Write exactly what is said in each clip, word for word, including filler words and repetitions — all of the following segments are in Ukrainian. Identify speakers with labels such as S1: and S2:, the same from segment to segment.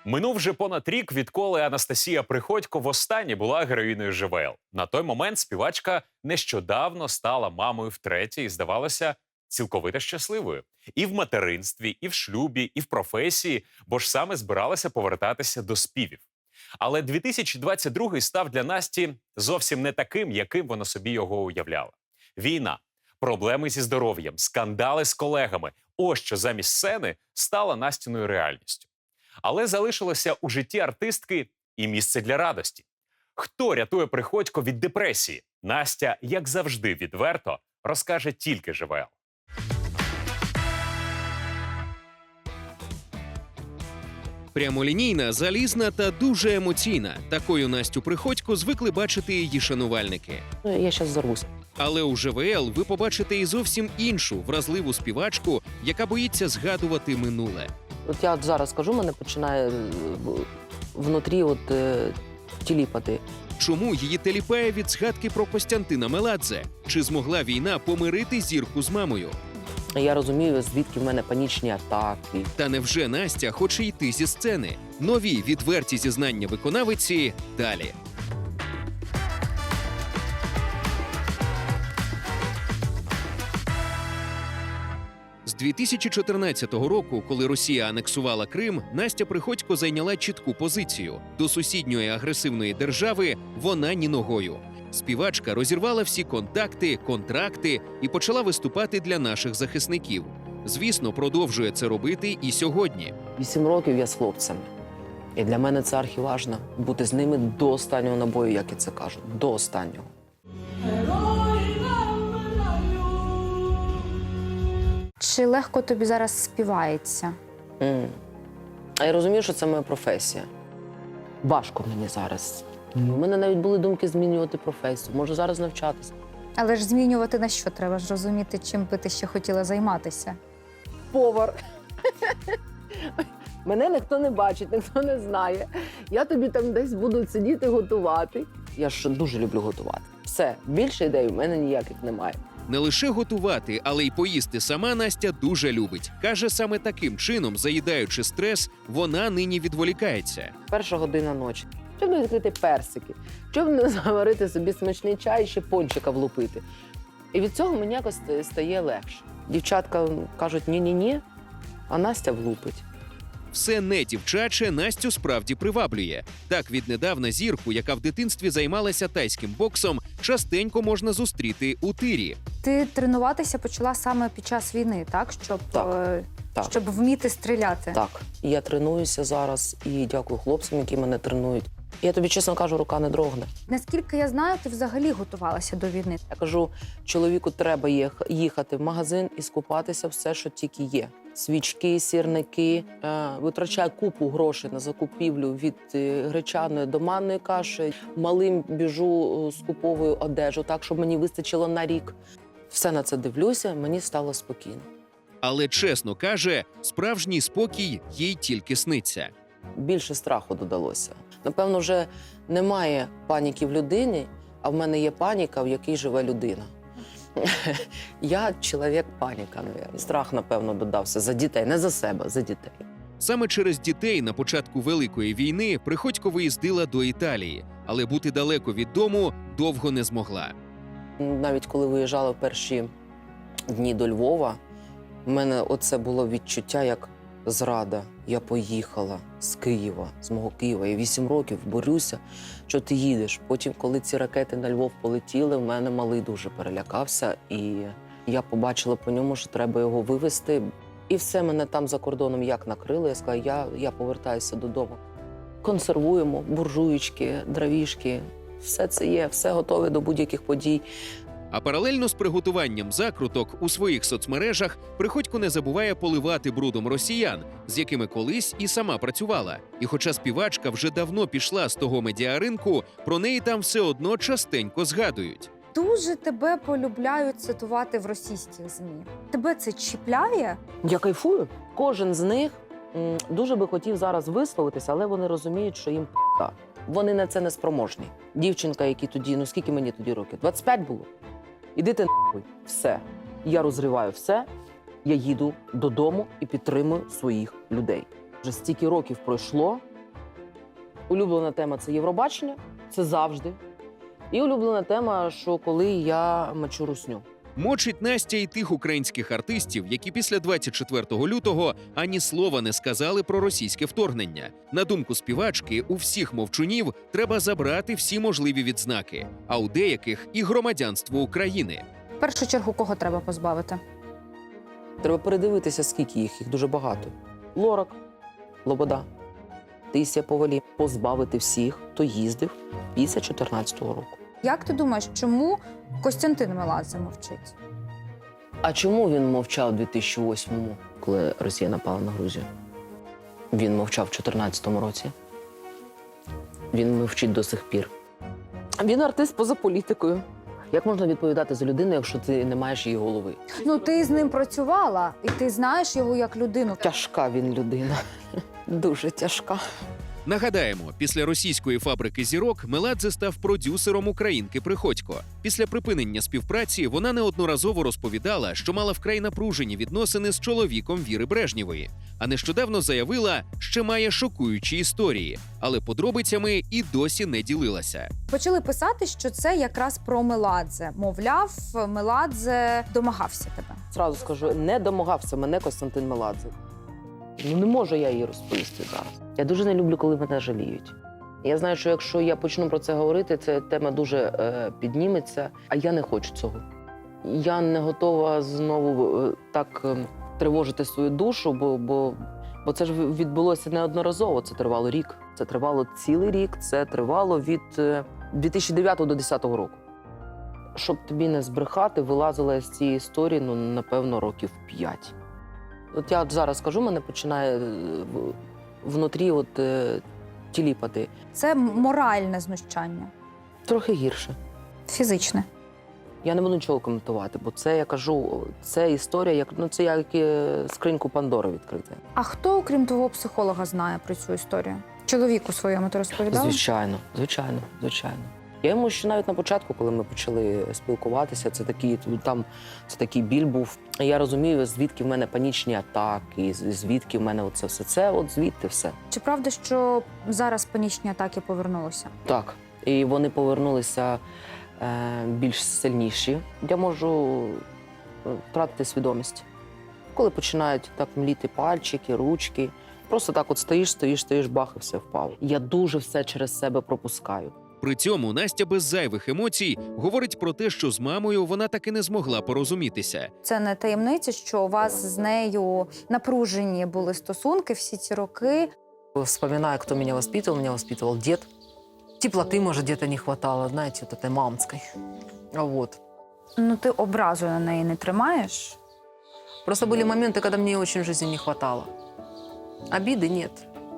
S1: Минув вже понад рік, відколи Анастасія Приходько востаннє була героїною ЖВЛ. На той момент співачка нещодавно стала мамою втретє і, здавалося, цілковито щасливою. І в материнстві, і в шлюбі, і в професії, бо ж саме збиралася повертатися до співів. Але дві тисячі двадцять другий став для Насті зовсім не таким, яким вона собі його уявляла. Війна, проблеми зі здоров'ям, скандали з колегами – ось що замість сцени стала Настіною реальністю. Але залишилося у житті артистки і місце для радості. Хто рятує Приходько від депресії? Настя, як завжди, відверто розкаже тільки ЖВЛ.
S2: Прямолінійна, залізна та дуже емоційна. Такою Настю Приходько звикли бачити її шанувальники.
S3: Ну, я зараз зарвусь.
S2: Але у ЖВЛ ви побачите і зовсім іншу, вразливу співачку, яка боїться згадувати минуле.
S3: От я от зараз скажу, мене починає е, внутрі от, е, тіліпати.
S2: Чому її теліпає від згадки про Костянтина Меладзе? Чи змогла війна помирити зірку з мамою?
S3: Я розумію, звідки в мене панічні атаки.
S2: Та невже Настя хоче йти зі сцени? Нові відверті зізнання виконавиці далі. З дві тисячі чотирнадцятого року, коли Росія анексувала Крим, Настя Приходько зайняла чітку позицію. До сусідньої агресивної держави вона ні ногою. Співачка розірвала всі контакти, контракти і почала виступати для наших захисників. Звісно, продовжує це робити і сьогодні.
S3: Вісім років я з хлопцями. І для мене це архіважно. Бути з ними до останнього набою, як я це кажу. До останнього.
S4: Чи легко тобі зараз співається?
S3: М. А я розумію, що це моя професія. Важко мені зараз. У мене навіть були думки змінювати професію. Можу зараз навчатися.
S4: Але ж змінювати на що? Треба ж розуміти, чим би ти ще хотіла займатися.
S3: Повар. Мене ніхто не бачить, ніхто не знає. Я тобі там десь буду сидіти готувати. Я ж дуже люблю готувати. Все, більше ідей у мене ніяких немає.
S2: Не лише готувати, але й поїсти сама Настя дуже любить. Каже, саме таким чином, заїдаючи стрес, вона нині відволікається.
S3: Перша година ночі. Щоб не відкрити персики, щоб не заварити собі смачний чай і ще пончика влупити. І від цього мені якось стає легше. Дівчатка кажуть ні-ні-ні, а Настя влупить.
S2: Все не дівчаче Настю справді приваблює. Так, віднедавна зірку, яка в дитинстві займалася тайським боксом, частенько можна зустріти у тирі.
S4: Ти тренуватися почала саме під час війни, так? Щоб,
S3: Так,
S4: е,
S3: так.
S4: щоб вміти стріляти.
S3: Так, і я тренуюся зараз і дякую хлопцям, які мене тренують. Я тобі чесно кажу, рука не дрогне.
S4: Наскільки я знаю, ти взагалі готувалася до війни.
S3: Я кажу, чоловіку треба їх- їхати в магазин і скупатися все, що тільки є. Свічки, сірники, е, витрачаю купу грошей на закупівлю від е, гречаної до манної каші. Малим біжу, е, скуповую одежу, так, щоб мені вистачило на рік. Все на це дивлюся, мені стало спокійно.
S2: Але, чесно каже, справжній спокій їй тільки сниться.
S3: Більше страху додалося. Напевно, вже немає паніки в людині, а в мене є паніка, в якій живе людина. Я чоловік-паніка, мабуть. Страх, напевно, додався за дітей, не за себе, за дітей.
S2: Саме через дітей на початку Великої війни Приходько виїздила до Італії, але бути далеко від дому довго не змогла.
S3: Навіть коли виїжджала в перші дні до Львова, в мене оце було відчуття як зрада. Я поїхала з Києва, з мого Києва. Я вісім років борюся, що ти їдеш. Потім, коли ці ракети на Львов полетіли, в мене малий дуже перелякався. І я побачила по ньому, що треба його вивезти. І все мене там за кордоном як накрило. Я сказала, я, я повертаюся додому. Консервуємо буржуєчки, дровішки. Все це є, все готове до будь-яких подій.
S2: А паралельно з приготуванням закруток у своїх соцмережах Приходько не забуває поливати брудом росіян, з якими колись і сама працювала. І хоча співачка вже давно пішла з того медіаринку, про неї там все одно частенько згадують.
S4: Дуже тебе полюбляють цитувати в російських ЗМІ. Тебе це чіпляє?
S3: Я кайфую. Кожен з них м, дуже би хотів зараз висловитися, але вони розуміють, що їм п***а. Вони на це не спроможні. Дівчинка, які тоді, ну скільки мені тоді років? двадцять п'ять було. Іди ти нахуй. Все. Я розриваю все, я їду додому і підтримую своїх людей. Вже стільки років пройшло, Улюблена тема – це Євробачення, це завжди. І улюблена тема, що коли я мочу русню.
S2: Мочить Настя і тих українських артистів, які після двадцять четвертого лютого ані слова не сказали про російське вторгнення. На думку співачки, у всіх мовчунів треба забрати всі можливі відзнаки, а у деяких і громадянство України.
S4: В першу чергу, кого треба позбавити?
S3: Треба передивитися, скільки їх, їх дуже багато. Лорак, Лобода, Таїсія Повалій. Позбавити всіх, хто їздив після чотирнадцятого року.
S4: Як ти думаєш, чому Костянтин Меладзе мовчить?
S3: А чому він мовчав у дві тисячі восьмому, коли Росія напала на Грузію? Він мовчав у чотирнадцятому році. Він мовчить до сих пір. Він артист поза політикою. Як можна відповідати за людину, якщо ти не маєш її голови?
S4: Ну, ти з ним працювала, і ти знаєш його як людину.
S3: Тяжка він людина. Дуже тяжка.
S2: Нагадаємо, після російської фабрики зірок Меладзе став продюсером українки Приходько. Після припинення співпраці вона неодноразово розповідала, що мала вкрай напружені відносини з чоловіком Віри Брежнєвої. А нещодавно заявила, що має шокуючі історії, але подробицями і досі не ділилася.
S4: Почали писати, що це якраз про Меладзе. Мовляв, Меладзе домагався тебе.
S3: Зразу скажу, не домагався мене Костянтин Меладзе. Ну, не можу я її розповісти зараз. Я дуже не люблю, коли мене жаліють. Я знаю, що якщо я почну про це говорити, ця тема дуже е, підніметься, а я не хочу цього. Я не готова знову е, так е, тривожити свою душу, бо, бо, бо це ж відбулося неодноразово. Це тривало рік. Це тривало цілий рік, це тривало від е, дві тисячі дев'ятого до дві тисячі десятого року. Щоб тобі не збрехати, вилазила я з цієї історії, ну, напевно, років п'ять. От я от зараз кажу, мене починає внутрі от, е, тіліпати.
S4: Це моральне знущання,
S3: Трохи гірше.
S4: фізичне.
S3: Я не буду нічого коментувати, бо це, я кажу, це історія, як, ну, це як е, скриньку Пандори відкрити.
S4: А хто, окрім твого психолога, знає про цю історію? Чоловіку своєму ти розповідала?
S3: Звичайно, звичайно, звичайно. Я йому ще навіть на початку, коли ми почали спілкуватися, це такий, там, це такий біль був. Я розумію, звідки в мене панічні атаки, звідки в мене оце все. Це от звідти все.
S4: Чи правда, що зараз панічні атаки повернулися?
S3: Так. І вони повернулися е, більш сильніші. Я можу втратити свідомість. Коли починають так мліти пальчики, ручки. Просто так от стоїш, стоїш, стоїш, бах, і все впало. Я дуже все через себе пропускаю.
S2: При цьому Настя без зайвих емоцій говорить про те, що з мамою вона таки не змогла порозумітися.
S4: Це не таємниця, що у вас з нею напружені були стосунки всі ці роки.
S3: Вспоминаю, кто меня воспитывал. Меня воспитывал дед. Теплоты, может, где-то не хватало, знаете, вот этой мамской. А вот.
S4: Ну, ти образу на неї не тримаєш?
S3: Просто были моменты, когда мне очень в жизни не хватало. Обиды нет.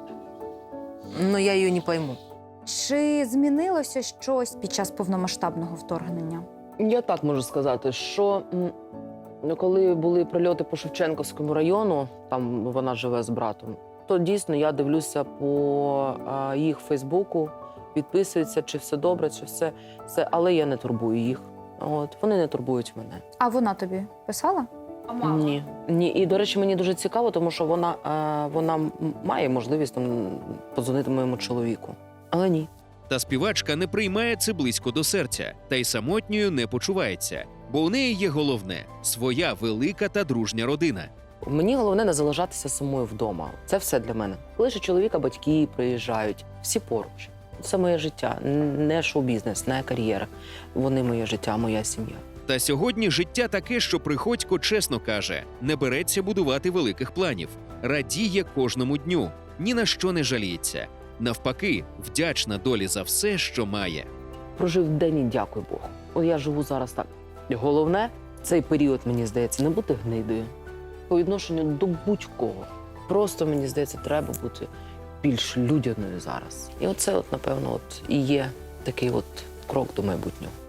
S3: Но я ее не пойму.
S4: Чи змінилося щось під час повномасштабного вторгнення?
S3: Я так можу сказати, що м, ну, коли були прильоти по Шевченківському району, там вона живе з братом, то дійсно я дивлюся по а, їх Фейсбуку, підписуються, чи все добре, чи все, все, але я не турбую їх. От, вони не турбують мене.
S4: А вона тобі писала? А
S3: Ні. Ні. І, до речі, мені дуже цікаво, тому що вона, е, вона м- має можливість там, подзвонити моєму чоловіку. Але ні.
S2: Та співачка не приймає це близько до серця, та й самотньою не почувається. Бо у неї є головне – своя велика та дружня родина.
S3: Мені головне не залишатися самою вдома. Це все для мене. Лише чоловіка, батьки приїжджають, всі поруч. Це моє життя, не шоу-бізнес, не кар'єра. Вони моє життя, моя сім'я.
S2: Та сьогодні життя таке, що Приходько чесно каже, не береться будувати великих планів, радіє кожному дню, ні на що не жаліється. Навпаки, вдячна долі за все, що має.
S3: Прожив день і дякую Богу. От я живу зараз так. Головне, цей період, мені здається, не бути гнидою. По відношенню до будь-кого. Просто, мені здається, треба бути більш людяною зараз. І оце, от, напевно, от, і є такий от крок до майбутнього.